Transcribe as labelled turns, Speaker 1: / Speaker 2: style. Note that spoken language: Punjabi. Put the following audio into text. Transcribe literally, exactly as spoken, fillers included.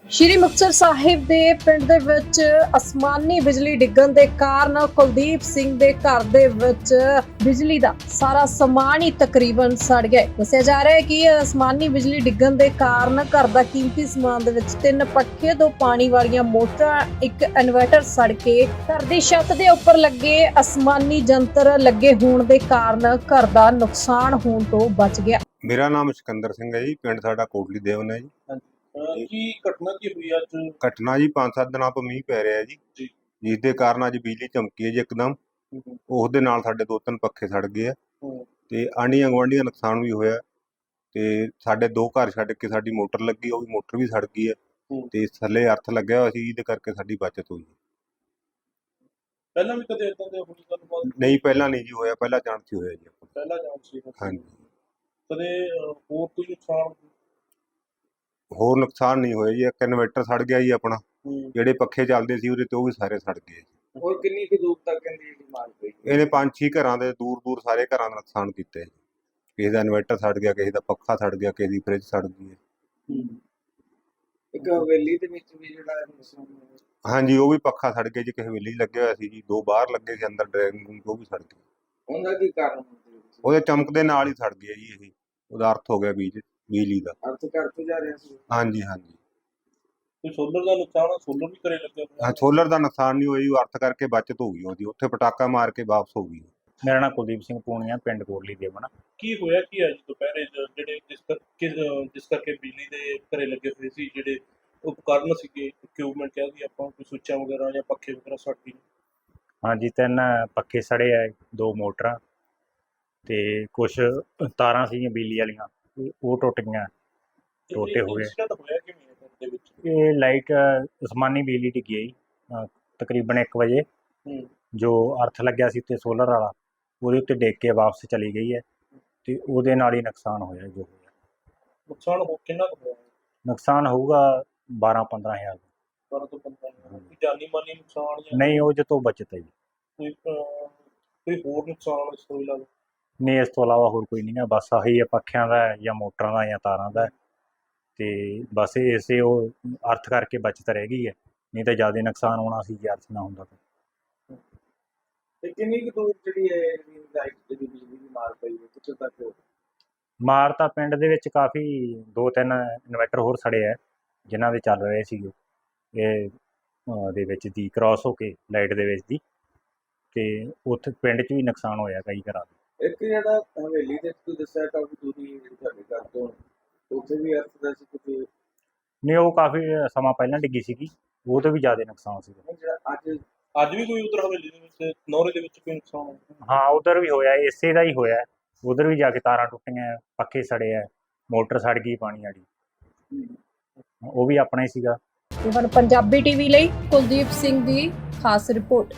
Speaker 1: ਸ਼੍ਰੀ ਮੁਕਤਸਰ ਸਾਹਿਬ ਦੇ ਪਿੰਡ ਦੇ ਵਿੱਚ ਅਸਮਾਨੀ ਬਿਜਲੀ ਡਿੱਗਣ ਦੇ ਕਾਰਨ ਕੁਲਦੀਪ ਸਿੰਘ ਦੇ ਘਰ ਦੇ ਵਿੱਚ ਬਿਜਲੀ ਦਾ ਸਾਰਾ ਸਮਾਨ ਹੀ ਤਕਰੀਬਨ ਸੜ ਗਿਆ। ਦੱਸਿਆ ਜਾ ਰਿਹਾ ਹੈ ਕਿ ਅਸਮਾਨੀ ਬਿਜਲੀ ਡਿੱਗਣ ਦੇ ਕਾਰਨ ਘਰ ਦਾ ਕੀਮਤੀ ਸਮਾਨ ਦੇ ਵਿੱਚ ਤਿੰਨ ਪੱਖੇ, ਦੋ ਪਾਣੀ ਵਾਲੀਆਂ ਮੋਟਰਾਂ, ਇੱਕ ਇਨਵਰਟਰ ਸੜ ਕੇ ਘਰ ਦੀ ਛੱਤ ਦੇ ਉੱਪਰ ਲੱਗੇ ਅਸਮਾਨੀ ਜੰਤਰ ਲੱਗੇ ਹੋਣ ਦੇ ਕਾਰਨ ਘਰ ਦਾ ਨੁਕਸਾਨ ਹੋਣ ਤੋਂ ਬਚ ਗਿਆ।
Speaker 2: ਮੇਰਾ ਨਾਮ ਸਿਕੰਦਰ ਸਿੰਘ ਹੈ ਜੀ। ਪਿੰਡ ਸਾਡਾ ਕੋਟਲੀ ਦੇਵਨ ਹੈ ਜੀ।
Speaker 3: ਕੀ ਘਟਨਾ ਕੀ ਹੋਈ ਅੱਜ?
Speaker 2: ਘਟਨਾ ਜੀ ਪੰਜ ਸੱਤ ਦਿਨਾਂ ਤੋਂ ਮੀਂਹ ਪੈ ਰਿਹਾ ਜੀ, ਜਿਸ ਦੇ ਕਾਰਨ ਅੱਜ ਬਿਜਲੀ ਚਮਕੀ ਹੈ ਜੀ ਇੱਕਦਮ। ਉਸ ਦੇ ਨਾਲ ਸਾਡੇ ਦੋ ਤਿੰਨ ਪੱਖੇ ਸੜ ਗਏ ਆ ਤੇ ਆਂਢੀਆਂ ਗੁਆਂਢੀਆਂ ਨੁਕਸਾਨ ਵੀ ਹੋਇਆ ਤੇ ਸਾਡੇ ਦੋ ਘਰ ਛੱਡ ਕੇ ਸਾਡੀ ਮੋਟਰ ਲੱਗੀ, ਉਹ ਵੀ ਮੋਟਰ ਵੀ ਸੜ ਗਈ ਹੈ ਤੇ ਥੱਲੇ ਅਰਥ ਲੱਗਿਆ ਹੋਇਆ ਸੀ, ਜਿਹਦੇ ਕਰਕੇ ਸਾਡੀ ਬਚਤ ਹੋਈ।
Speaker 3: ਪਹਿਲਾਂ ਵੀ ਕਦੇ ਇਦਾਂ ਦੇ ਹੋਈ ਗੱਲਬਾਤ?
Speaker 2: ਨਹੀਂ, ਪਹਿਲਾਂ ਨਹੀਂ ਜੀ ਹੋਇਆ, ਪਹਿਲਾਂ ਚਾਂਸ ਹੀ ਹੋਇਆ ਜੀ ਆਪਾਂ।
Speaker 3: ਪਹਿਲਾਂ ਚਾਂਸ ਸੀ?
Speaker 2: ਹਾਂਜੀ।
Speaker 3: ਕਦੇ ਹੋਰ ਕੋਈ ਨੁਕਸਾਨ?
Speaker 2: ਹੋਰ ਨੁਕਸਾਨ ਨਹੀਂ ਹੋਇਆ ਜੀ। ਇੱਕ ਇਨਵਰਟਰ ਸੜ ਗਿਆ ਜੀ ਆਪਣਾ, ਜਿਹੜੇ ਪੱਖੇ ਚੱਲਦੇ ਸੀ ਉਹਦੇ ਤੇ ਉਹ ਵੀ ਸਾਰੇ ਸੜ ਗਏ।
Speaker 3: ਹੋਰ ਕਿੰਨੀ ਕੁ ਦੂਰ ਤੱਕ ਇਹਦੀ ਮਾਰ ਪਈ?
Speaker 2: ਇਹਨੇ ਪੰਜ ਛੇ ਘਰਾਂ ਦੇ ਦੂਰ ਦੂਰ ਸਾਰੇ ਘਰਾਂ ਦਾ ਨੁਕਸਾਨ ਕੀਤਾ ਜੀ। ਕਿਸੇ ਦਾ ਇਨਵਰਟਰ ਸੜ ਗਿਆ, ਕਿਸੇ ਦਾ ਪੱਖਾ ਸੜ ਗਿਆ, ਕਿਸੇ ਦੀ ਫ੍ਰਿਜ ਸੜ ਗਈ ਹੈ।
Speaker 3: ਇੱਕ ਹਵੇਲੀ ਦੇ ਵਿੱਚ ਵੀ ਜਿਹੜਾ ਨੁਕਸਾਨ ਹੋਇਆ?
Speaker 2: ਹਾਂਜੀ, ਉਹ ਵੀ ਪੱਖਾ ਸੜ ਗਿਆ ਜੀ। ਕਿਸੇ ਹਵੇਲੀ ਲੱਗਿਆ ਹੋਇਆ ਸੀ ਜੀ, ਦੋ ਬਾਹਰ ਲੱਗੇ ਸੀ ਅੰਦਰ ਡਰਾਇੰਗ ਰੂਮ, ਉਹ ਵੀ ਸੜ ਗਏ।
Speaker 3: ਉਹਦਾ ਕੀ ਕਾਰਨ?
Speaker 2: ਉਹਦੇ ਚਮਕ ਦੇ ਨਾਲ ਹੀ ਸੜ ਗਿਆ ਜੀ। ਇਹ ਉਹਦਾ ਅਰਥ ਹੋ ਗਿਆ ਬੀਜ ਬਿਜਲੀ ਦਾ।
Speaker 3: ਅਰਥ ਘਰ ਤੋਂ ਜਾ ਰਿਹਾ ਸੀ?
Speaker 2: ਹਾਂਜੀ ਹਾਂਜੀ।
Speaker 3: ਕੋਈ ਸੋਲਰ ਦਾ ਨੁਕਸਾਨ? ਸੋਲਰ ਵੀ ਕਰੇ ਲੱਗਿਆ?
Speaker 2: ਹਾਂ, ਸੋਲਰ ਦਾ ਨੁਕਸਾਨ ਨਹੀਂ ਹੋਇਆ, ਉਹ ਅਰਥ ਕਰਕੇ ਬਚਤ ਹੋ ਗਈ ਉਹਦੀ, ਉੱਥੇ ਪਟਾਕਾ ਮਾਰ ਕੇ ਵਾਪਸ ਹੋ ਗਈ।
Speaker 4: ਮੇਰਾ ਨਾਮ ਕੁਲਦੀਪ ਸਿੰਘ ਪੂਣੀਆ, ਪਿੰਡ ਕੋਟਲੀ ਦੇਵਨ।
Speaker 3: ਕੀ ਹੋਇਆ ਕੀ ਅੱਜ ਦੁਪਹਿਰੇ ਜਿਹੜੇ ਜਿਸ ਕਰਕੇ ਜਿਸ ਕਰਕੇ ਬਿਜਲੀ ਦੇ ਘਰੇ ਲੱਗੇ ਹੋਏ ਸੀ ਜਿਹੜੇ ਉਪਕਰਨ ਸੀਗੇ, ਇਕਵਿਪਮੈਂਟ ਕਹਿ ਦਈਏ ਆਪਾਂ, ਕੋਈ ਸੁੱਚਾਂ ਵਗੈਰਾ ਜਾਂ ਪੱਖੇ ਵਗੈਰਾ ਸੜ ਗਏ?
Speaker 4: ਹਾਂਜੀ, ਤਿੰਨ ਪੱਖੇ ਸੜੇ ਆ, ਦੋ ਮੋਟਰਾਂ ਤੇ ਕੁਛ ਤਾਰਾਂ ਸੀਗੀਆਂ ਬਿਜਲੀ ਵਾਲੀਆਂ, ਉਹ ਟੁੱਟ ਗਈਆਂ, ਟੋਟੇ ਹੋ ਗਏ।
Speaker 3: ਹੋਇਆ ਕਿਵੇਂ ਦੇ ਵਿੱਚ?
Speaker 4: ਇਹ ਲਾਈਟ ਅਸਮਾਨੀ ਬਿਜਲੀ ਡਿੱਗੀ ਹੈ ਜੀ ਤਕਰੀਬਨ ਇੱਕ ਵਜੇ, ਜੋ ਅਰਥ ਲੱਗਿਆ ਸੀ ਤੇ ਸੋਲਰ ਵਾਲਾ ਉਹਦੇ ਉੱਤੇ ਡਿੱਗ ਕੇ ਵਾਪਸ ਚਲੀ ਗਈ ਹੈ ਤੇ ਉਹਦੇ ਨਾਲ ਹੀ ਨੁਕਸਾਨ ਹੋਇਆ ਜੋ ਹੋਇਆ।
Speaker 3: ਨੁਕਸਾਨ ਹੋ ਕਿੰਨਾ ਕੁ ਹੋਇਆ?
Speaker 4: ਨੁਕਸਾਨ ਹੋਊਗਾ ਬਾਰਾਂ ਪੰਦਰਾਂ ਹਜ਼ਾਰ।
Speaker 3: ਬਾਰਾਂ ਤੋਂ ਪੰਦਰਾਂ ਹਜ਼ਾਰ? ਕੋਈ ਜਾਨੀ ਮਾਨੀ ਨੁਕਸਾਨ ਜਾਂ
Speaker 4: ਨਹੀਂ, ਉਹ ਤੋਂ ਬਚਤ ਹੈ ਜੀ।
Speaker 3: ਕੋਈ ਕੋਈ ਹੋਰ ਨੁਕਸਾਨ ਇਸ ਤੋਂ ਇਲਾਵਾ?
Speaker 4: ਨਹੀਂ, ਇਸ ਤੋਂ ਇਲਾਵਾ ਹੋਰ ਕੋਈ ਨਹੀਂ ਹੈ। ਬਸ ਆਹੀ ਹੈ, ਪੱਖਿਆਂ ਦਾ ਜਾਂ ਮੋਟਰਾਂ ਦਾ ਜਾਂ ਤਾਰਾਂ ਦਾ, ਤੇ ਬਸ ਇਸੇ ਉਹ ਅਰਥ ਕਰਕੇ ਬਚਤ ਰਹਿ ਗਈ ਹੈ, ਨਹੀਂ ਤਾਂ ਜ਼ਿਆਦਾ ਨੁਕਸਾਨ ਹੋਣਾ ਸੀ ਜੇ ਅਰਥ ਨਾ ਹੁੰਦਾ ਤਾਂ।
Speaker 3: ਤੇ ਕਿੰਨੀ ਕੁ ਦੂਰ ਜਿਹੜੀ ਹੈ ਲਾਈਟ ਜਿਹੜੀ ਬਿਜਲੀ ਦੀ ਮਾਰ ਪਈ ਹੈ, ਕਿੱਥੇ ਤੱਕ?
Speaker 4: ਮਾਰ ਤਾਂ ਪਿੰਡ ਦੇ ਵਿੱਚ ਕਾਫੀ ਦੋ ਤਿੰਨ ਇਨਵਰਟਰ ਹੋਰ ਸੜੇ ਹੈ, ਜਿਨ੍ਹਾਂ ਦੇ ਚੱਲ ਰਹੇ ਸੀਗੇ ਇਹ ਦੇ ਵਿੱਚ ਦੀ ਕ੍ਰਾਸ ਹੋ ਕੇ ਲਾਈਟ ਦੇ ਵਿੱਚ ਦੀ, ਤੇ ਉੱਥੇ ਪਿੰਡ 'ਚ ਵੀ ਨੁਕਸਾਨ ਹੋਇਆ ਕਈ ਘਰਾਂ ਦਾ।
Speaker 3: ਇੱਕ ਜਿਹੜਾ ਹਵੇਲੀ ਦੇ ਤੁਸੀਂ ਦੱਸਿਆ ਕਾਫੀ ਦੂਰੀ ਜਿਹੜੀ ਤੁਹਾਡੇ ਘਰ ਤੋਂ, ਉੱਥੇ ਵੀ ਅਰਥ ਦਾ ਸੀ ਕੁਝ?
Speaker 4: ਨਹੀਂ, ਉਹ ਕਾਫੀ ਸਮਾਂ ਪਹਿਲਾਂ ਡਿੱਗੀ ਸੀਗੀ, ਉਹ ਤੋਂ ਵੀ ਜ਼ਿਆਦਾ ਨੁਕਸਾਨ ਸੀਗਾ।
Speaker 3: ਜਿਹੜਾ ਅੱਜ ਅੱਜ ਵੀ ਕੋਈ ਉਧਰ ਹਵੇਲੀ ਦੇ ਵਿੱਚ ਨੌਰੇ ਦੇ ਵਿੱਚ ਕੋਈ ਨੁਕਸਾਨ ਹੋਇਆ?
Speaker 4: ਹਾਂ, ਉਧਰ ਵੀ ਹੋਇਆ, ਇਸੇ ਦਾ ਹੀ ਹੋਇਆ। ਉਧਰ ਵੀ ਜਾ ਕੇ ਤਾਰਾਂ ਟੁੱਟੀਆਂ, ਪੱਖੇ ਸੜੇ ਹੈ, ਮੋਟਰ ਸੜ ਗਈ ਪਾਣੀ ਵਾਲੀ, ਉਹ ਵੀ ਆਪਣਾ ਹੀ ਸੀਗਾ।
Speaker 1: ਹੁਣ ਪੰਜਾਬੀ ਟੀਵੀ ਲਈ ਕੁਲਦੀਪ ਸਿੰਘ ਦੀ ਖਾਸ ਰਿਪੋਰਟ।